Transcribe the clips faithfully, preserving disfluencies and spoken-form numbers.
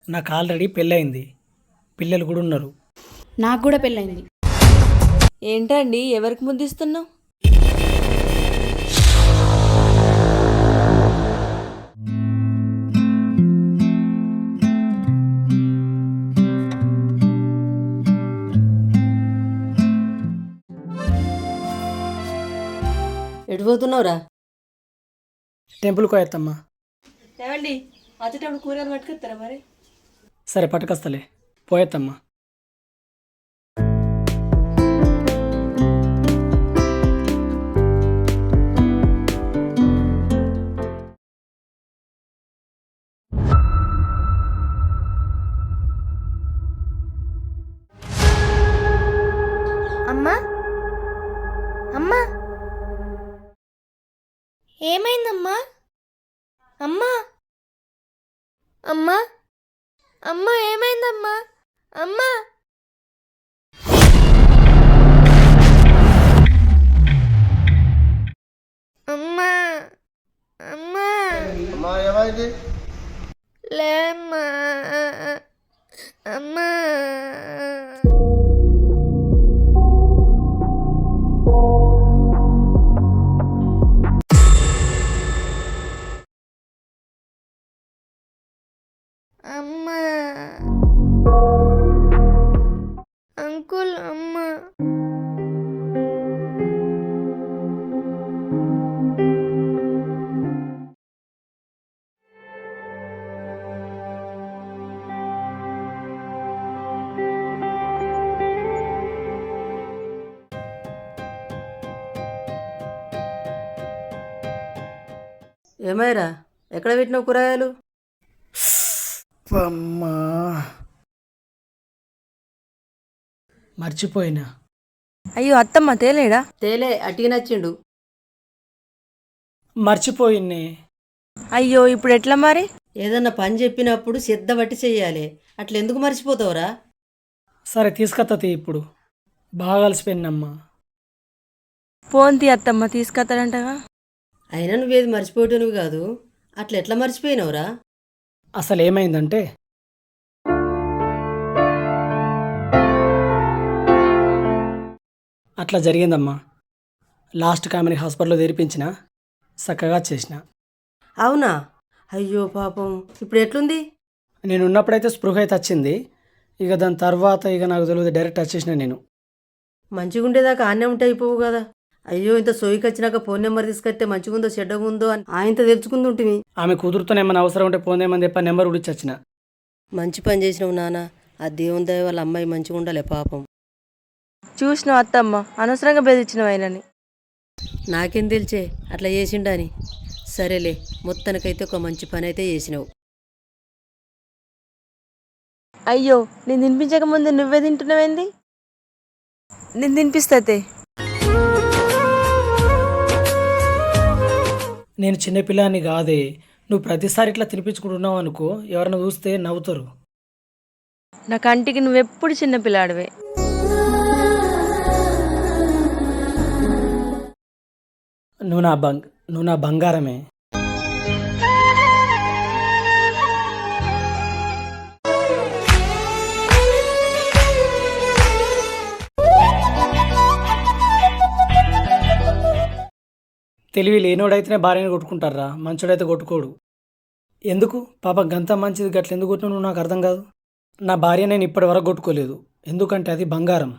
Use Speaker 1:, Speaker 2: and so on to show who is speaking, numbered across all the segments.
Speaker 1: నాకు ఆల్రెడీ పెళ్ళయింది. పిల్లలు కూడా ఉన్నారు.
Speaker 2: నాకు కూడా పెళ్ళైంది.
Speaker 3: ఏంటండి ఎవరికి ముద్దిస్తున్నావు? ఎటు పోతున్నావురా?
Speaker 1: టెంపుల్కి పోయేత్తమ్మా.
Speaker 3: ఏమండి వచ్చేటప్పుడు కూరగాయలు పట్టుకొస్తారా మరి?
Speaker 1: సరే పట్టుకొస్తలే, పోయేత్తమ్మా.
Speaker 4: అమ్మా అమ్మా ఏమైందమ్మా? అమ్మా అమ్మా అమ్మా ఏమైందమ్మా? అమ్మా అమ్మా అమ్మా
Speaker 5: అమ్మా ఏమైంది?
Speaker 4: లేమ్మా అమ్మా అమ్మా అంకుల్ అమ్మా
Speaker 3: ఏమైరా ఎక్కడ పెట్టినావు కూరగాయలు?
Speaker 1: అమ్మా మర్చిపోయినా.
Speaker 3: అయ్యో అత్తమ్మ తేలేడా? తేలే అటికి నచ్చిండు.
Speaker 1: మర్చిపోయిన్నే.
Speaker 3: అయ్యో ఇప్పుడు ఎట్లా మరి? ఏదన్నా పని చెప్పినప్పుడు శ్రద్ధ బట్టి చెయ్యాలి, అట్లా ఎందుకు మర్చిపోతావురా?
Speaker 1: సరే తీసుకొత్తది ఇప్పుడు. బాగా కలిసిపోయినమ్మా.
Speaker 3: ఫోన్ తీ అత్తమ్మ తీసుకొస్తాడంటగా. అయినా నువ్వేది మర్చిపోయేటోనివి కాదు, అట్లా ఎట్లా మర్చిపోయినావురా?
Speaker 1: అసలు ఏమైందంటే, అట్లా జరిగిందమ్మా. లాస్ట్ కామెని హాస్పిటల్లో తెరిపించిన, చక్కగా చేసిన.
Speaker 3: అవునా? అయ్యో పాపం, ఇప్పుడు ఎట్లుంది?
Speaker 1: నేను ఉన్నప్పుడైతే స్పృహ అయితే వచ్చింది. ఇక దాని తర్వాత ఇక నాకు తెలియదు, డైరెక్ట్ వచ్చేసిన నేను.
Speaker 3: మంచిగుండేదాకా ఆన్నే ఉంటే అయిపోవు కదా. అయ్యో ఇంత సోయికి వచ్చినాక ఫోన్ నెంబర్ తీసుకొస్తే మంచిగుందో చెడ్డగుందో అని ఆయనతో తెలుసుకుంది ఉంటుంది.
Speaker 1: ఆమె కూతురుతో ఏమైనా అవసరం ఉంటే పోనేమని చెప్పి నెంబర్ ఉడిచి వచ్చిన.
Speaker 3: మంచి పని చేసినావు నాన్న. ఆ దేవుని దయ వాళ్ళ అమ్మాయి మంచిగా ఉండాలి పాపం. చూసినావు అత్తమ్మ, అనవసరంగా బెదిరించినావు ఆయనని. నాకేం తెలిసే అట్లా చేసిండని. సరేలే, మొత్తానికైతే ఒక మంచి పని అయితే చేసినావు. అయ్యో నేను తినిపించక ముందు నువ్వే తింటున్నావేంది? నేను తినిపిస్తే.
Speaker 1: నేను చిన్నపిల్లాన్ని కాదే. నువ్వు ప్రతిసారి ఇట్లా తినిపించుకుంటున్నావు అనుకో, ఎవరైనా చూస్తే నవ్వుతారు.
Speaker 3: నా కంటికి నువ్వెప్పుడు చిన్నపిల్లాడివే.
Speaker 1: నువ్వు నా బంగ్ నువ్వు నా బంగారమే. తెలివి లేనోడైతేనే భార్యను కొట్టుకుంటారా, మంచోడైతే కొట్టుకోడు. ఎందుకు పాప గంత మంచిది గట్ల ఎందుకు కొట్టినా నువ్వు నాకు అర్థం కాదు. నా భార్య నేను ఇప్పటి వరకు కొట్టుకోలేదు, ఎందుకంటే అది బంగారం.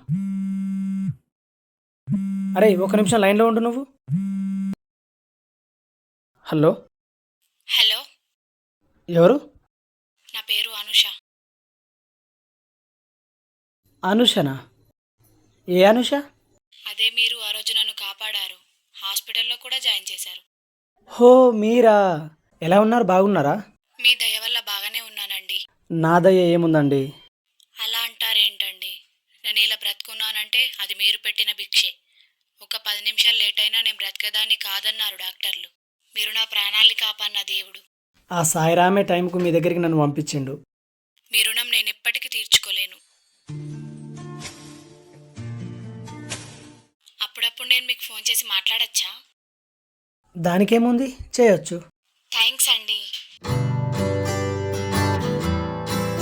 Speaker 1: అరే ఒక నిమిషం లైన్లో ఉండు నువ్వు. హలో
Speaker 2: హలో,
Speaker 1: ఎవరు?
Speaker 2: నా పేరు అనుష.
Speaker 1: అనుషనా? ఏ అనుష?
Speaker 2: అదే మీరు ఆ రోజు నన్ను కాపాడారు, హాస్పిటల్లో కూడా జాయిన్ చేశారు.
Speaker 1: హో మీరా? ఎలా ఉన్నారు, బాగున్నారా?
Speaker 2: మీ దయ వల్ల బాగానే ఉన్నానండి.
Speaker 1: నా దయ ఏముందండి?
Speaker 2: అలా అంటారేంటండి? నేను ఇలా బ్రతుకున్నానంటే అది మీరు పెట్టిన భిక్షే. ఒక పది నిమిషాలు లేట్ అయినా నేను బ్రతకదాన్ని కాదన్నారు డాక్టర్లు. మీరు నా ప్రాణాల్ని కాపాడిన దేవుడు.
Speaker 1: ఆ సాయిరామే టైంకు మీ దగ్గరికి నన్ను పంపించిండు.
Speaker 2: మీ రుణం నేను ఎప్పటికీ తీర్చుకోలేను. అప్పుడప్పుడు నేను మీకు ఫోన్ చేసి మాట్లాడచ్చా?
Speaker 1: దానికేముంది, చేయొచ్చు.
Speaker 2: థ్యాంక్స్ అండి.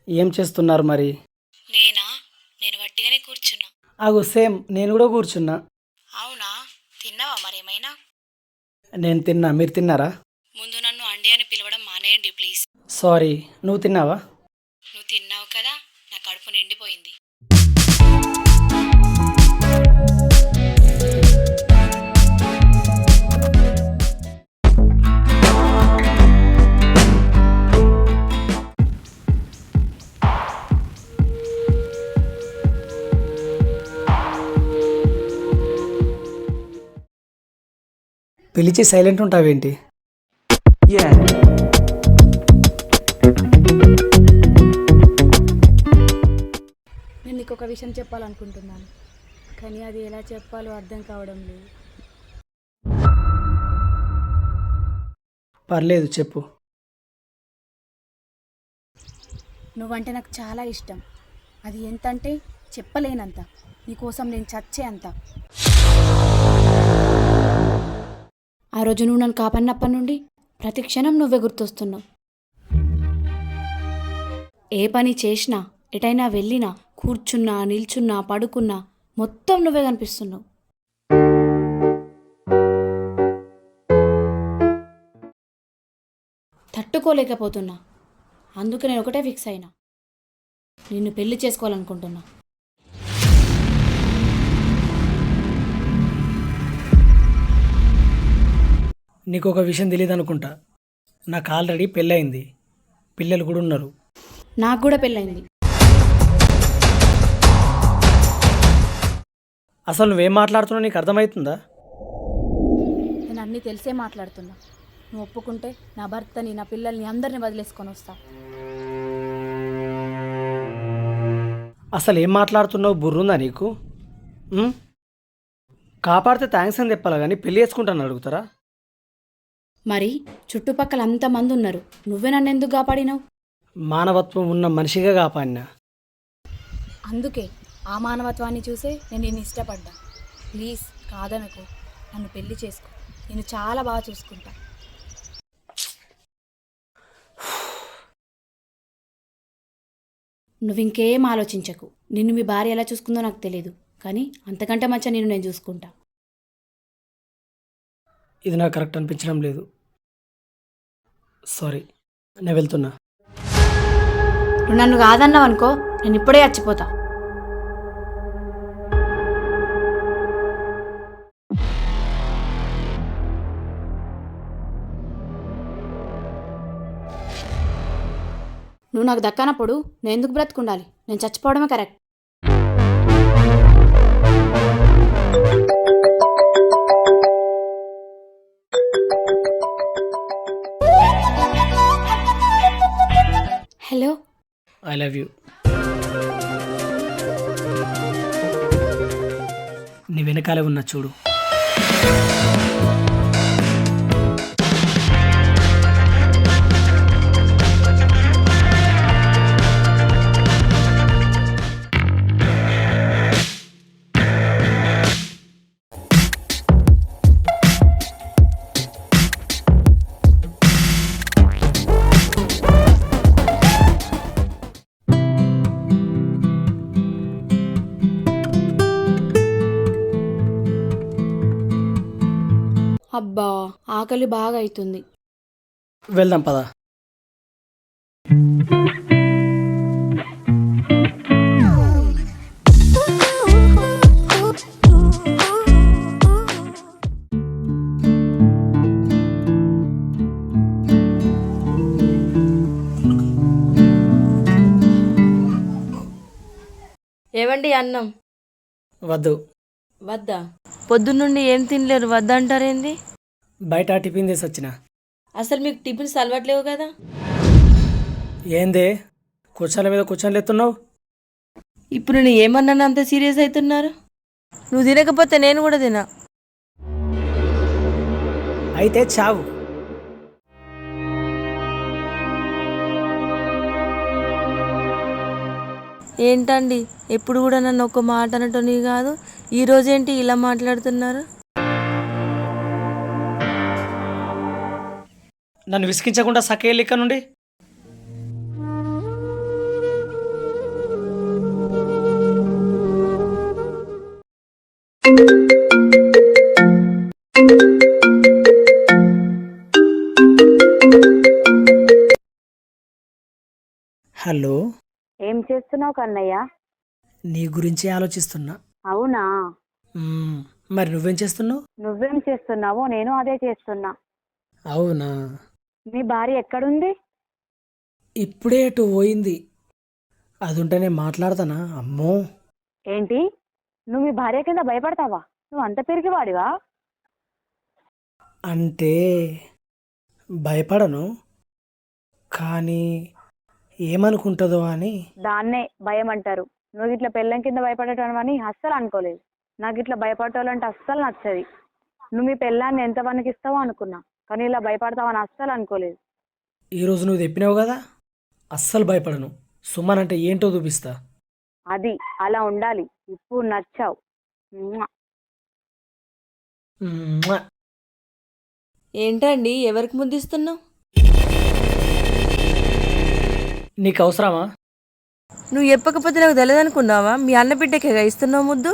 Speaker 1: ఏం చేస్తున్నారు మరి?
Speaker 2: నేనా? నేను వట్టిగానే కూర్చున్నా.
Speaker 1: అగు సేమ్ నేను కూడా కూర్చున్నా.
Speaker 2: అవునా? తిన్నావా మరేమైనా?
Speaker 1: నేను తిన్నా, మీరు తిన్నారా?
Speaker 2: ముందు నన్ను అండి అని పిలవడం మానేయండి ప్లీజ్.
Speaker 1: సారీ, నువ్వు తిన్నావా?
Speaker 2: నువ్వు తిన్నావు కదా, నా కడుపు నిండిపోయింది.
Speaker 1: పిలిచి సైలెంట్ ఉంటావేంటి?
Speaker 5: నేను నీకు ఒక విషయం చెప్పాలనుకుంటున్నాను, కానీ అది ఎలా చెప్పాలో అర్థం కావడం లేదు.
Speaker 1: పర్లేదు చెప్పు.
Speaker 5: నువ్వంటే నాకు చాలా ఇష్టం. అది ఎంతంటే చెప్పలేనంత. నీకోసం నేను చచ్చే అంత. ఆ రోజు నువ్వు నన్ను కాపాడినప్పటి నుండి ప్రతి క్షణం నువ్వే గుర్తొస్తున్నావు. ఏ పని చేసినా, ఎటైనా వెళ్ళినా, కూర్చున్నా, నిల్చున్నా, పడుకున్నా మొత్తం నువ్వే కనిపిస్తున్నావు. తట్టుకోలేకపోతున్నా. అందుకే నేను ఒకటే ఫిక్స్ అయినా, నిన్ను పెళ్లి చేసుకోవాలనుకుంటున్నా.
Speaker 1: నీకు ఒక విషయం తెలియదు అనుకుంటా. నాకు ఆల్రెడీ పెళ్ళయింది, పిల్లలు కూడా ఉన్నారు.
Speaker 5: నాకు కూడా పెళ్ళైంది.
Speaker 1: అసలు నువ్వేం మాట్లాడుతున్నావు నీకు అర్థమవుతుందా?
Speaker 5: నేను అన్నీ తెలిసే మాట్లాడుతున్నా. నువ్వు ఒప్పుకుంటే నా భర్తని, నా పిల్లల్ని అందరిని వదిలేసుకొని వస్తా.
Speaker 1: అసలు ఏం మాట్లాడుతున్నావు? బుర్రుందా నీకు? ఉమ్? కాపాడితే థ్యాంక్స్ అని చెప్పాలా కానీ పెళ్ళి చేసుకుంటాను అడుగుతారా?
Speaker 5: మరి చుట్టుపక్కల అంతమంది ఉన్నారు, నువ్వే నన్ను ఎందుకు కాపాడినావు?
Speaker 1: మానవత్వం ఉన్న మనిషిగా కాపాడినా.
Speaker 5: అందుకే ఆ మానవత్వాన్ని చూసే నేను నిన్ను ఇష్టపడ్డా. ప్లీజ్ కాదనకు, నన్ను పెళ్లి చేసుకో. నేను చాలా బాగా చూసుకుంటా. నువ్వు ఇంకేం ఆలోచించకు. నిన్ను మీ భార్య ఎలా చూసుకుందో నాకు తెలియదు, కానీ అంతకంటే మంచిగా నేను నేను చూసుకుంటా.
Speaker 1: ఇది నాకు కరెక్ట్ అనిపించడం లేదు. సారీ, నేను వెళ్తున్నా.
Speaker 5: నువ్వు నన్ను కాదన్నావు అనుకో, నేను ఇప్పుడే చచ్చిపోతా. నువ్వు నాకు దక్కనప్పుడు నేను ఎందుకు బ్రతుకుండాలి? నేను చచ్చిపోవడమే correct. Hello,
Speaker 1: I love you. నీ వెనకాలే ఉన్నా చూడు.
Speaker 5: అబ్బా ఆకలి బాగా అవుతుంది.
Speaker 1: వెళ్దాం పదా.
Speaker 3: ఏవండి అన్నం?
Speaker 1: వద్దు.
Speaker 3: వద్దా? పొద్దున్నుండి ఏం తినలేరు, వద్దంటారేంది?
Speaker 1: బయట టిఫిన్ చేసి వచ్చిన.
Speaker 3: అసలు మీకు టిఫిన్స్ అలవాట్లేవు కదా?
Speaker 1: ఏందే కూర్చోల మీద కూర్చొని లేతున్నావు?
Speaker 3: ఇప్పుడు నేను ఏమన్నాను అంత సీరియస్ అవుతున్నారు? నువ్వు తినకపోతే నేను కూడా తినా.
Speaker 1: అయితే చావు.
Speaker 3: ఏంటండి ఎప్పుడు కూడా నన్ను ఒక మాట అనటోని కాదు, ఈరోజేంటి ఇలా మాట్లాడుతున్నారు?
Speaker 1: నన్ను విసిగించకుండా సకేళ్ళు ఇక్కడ నుండి. హలో,
Speaker 6: ఏం చేస్తున్నావు కన్నయ్య?
Speaker 1: నీ గురించి ఆలోచిస్తున్నా.
Speaker 6: అవునా?
Speaker 1: మ్మ్, మరి నువ్వేం చేస్తున్నావు?
Speaker 6: నువ్వేం చేస్తున్నావో నేను అదే చేస్తున్నా.
Speaker 1: అవునా?
Speaker 6: మీ భార్య ఎక్కడుంది?
Speaker 1: ఇప్పుడే అటు పోయింది. అది ఉంటే నేను మాట్లాడతానా? అమ్మో.
Speaker 6: ఏంటి, నువ్వు మీ భార్య కింద భయపడతావా? నువ్వు అంత పెరిగివాడివా?
Speaker 1: అంటే భయపడను, కానీ ఏమనుకుంటుందో అని.
Speaker 6: దాన్నే భయం అంటారు. నువ్వు ఇట్లా పెళ్ళం కింద భయపడటం అని అస్సలు అనుకోలేదు. నాకు ఇట్లా భయపడటోళ్ళంటే అస్సలు నచ్చది. నువ్వు మీ పెళ్ళాన్ని ఎంత వణికిస్తావో అనుకున్నా, కానీ ఇలా భయపడతావని అస్సలు అనుకోలేదు.
Speaker 1: ఈరోజు నువ్వు చెప్పినావు కదా, అస్సలు భయపడను. సుమన్ అంటే ఏంటో చూపిస్తా.
Speaker 6: అది అలా ఉండాలి. ఇప్పుడు నచ్చావు. మ్వా.
Speaker 1: మ్మ్.
Speaker 3: ఏంటండి ఎవరికి ముద్దిస్తున్నావు?
Speaker 1: నీకు అవసరమా?
Speaker 3: నువ్వు చెప్పకపోతే నాకు తెలియదు అనుకున్నావా? మీ అన్న బిడ్డకే ఇస్తున్నావు ముద్దు.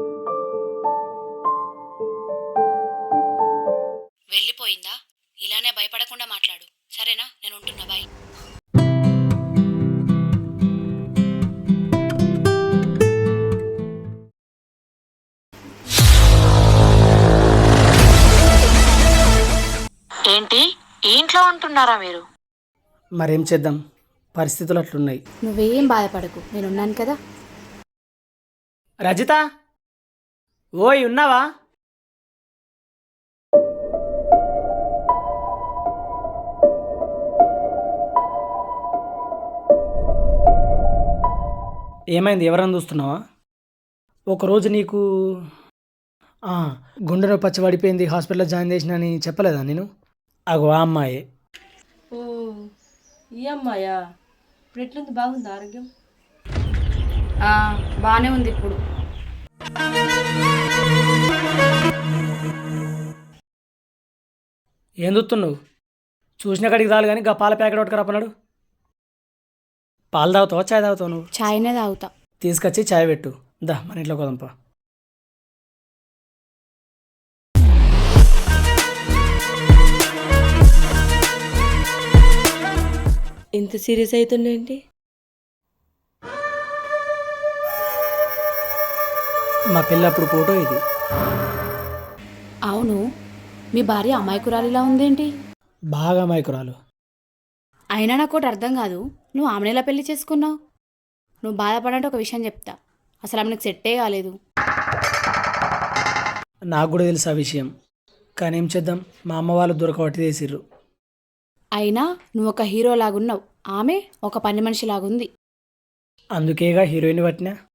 Speaker 2: వెళ్ళిపోయిందా? ఇలానే భయపడకుండా మాట్లాడు, సరేనా? నేను ఉంటున్నా, బాయ్. ఏంటి, ఇంట్లో ఉంటున్నారా మీరు?
Speaker 1: మరేం చేద్దాం, పరిస్థితులు అట్లున్నాయి.
Speaker 5: నువ్వేం బాధపడకు, నేనున్నాను కదా.
Speaker 1: రజిత, ఓయ్ ఉన్నావా? ఏమైంది, ఎవరన్నా చూస్తున్నావా? ఒకరోజు నీకు ఆ, గుండె నొప్పి వచ్చి పడిపోయింది, హాస్పిటల్లో జాయిన్ చేసిన అని చెప్పలేదా నేను? అగో ఆ అమ్మాయి.
Speaker 3: ఓ, ఈ అమ్మాయా? ఇప్పుడు ఎట్లుంది? బాగుంది ఆరోగ్యం?
Speaker 5: బాగానే ఉంది ఇప్పుడు.
Speaker 1: ఏం చూస్తున్నావు? చూసిన కాడికి చాలు కానీ గా పాల ప్యాకెట్ ఒకటి రప్పనాడు. పాలు తాగుతావా, చాయ్ తాగుతావు నువ్వు?
Speaker 5: చాయ్నే తాగుతా.
Speaker 1: తీసుకొచ్చి చాయ్ పెట్టు. దా మన ఇంట్లో కొదంపా.
Speaker 3: ఇంత సీరియస్ అవుతుండేంటి?
Speaker 1: మా పిల్లప్పుడు ఫోటో ఇది.
Speaker 5: అవును, మీ భార్య అమాయకురాలిలా ఉందేంటి?
Speaker 1: బాగా మైకురాలు.
Speaker 5: అయినా నాకు ఒకటి అర్థం కాదు, నువ్వు ఆమెను ఎలా పెళ్లి చేసుకున్నావు? నువ్వు బాధపడంటే ఒక విషయం చెప్తా, అసలు ఆమె నీకు సెట్టే కాలేదు.
Speaker 1: నాకు కూడా తెలుసు ఆ విషయం, కానీ ఏం చేద్దాం, మా అమ్మ వాళ్ళు దొరకబట్టి చేసిర్రు.
Speaker 5: అయినా నువ్వు ఒక హీరో లాగున్నావు, ఆమె ఒక పని మనిషి లాగుంది.
Speaker 1: అందుకేగా హీరోయిన్ పట్టినా.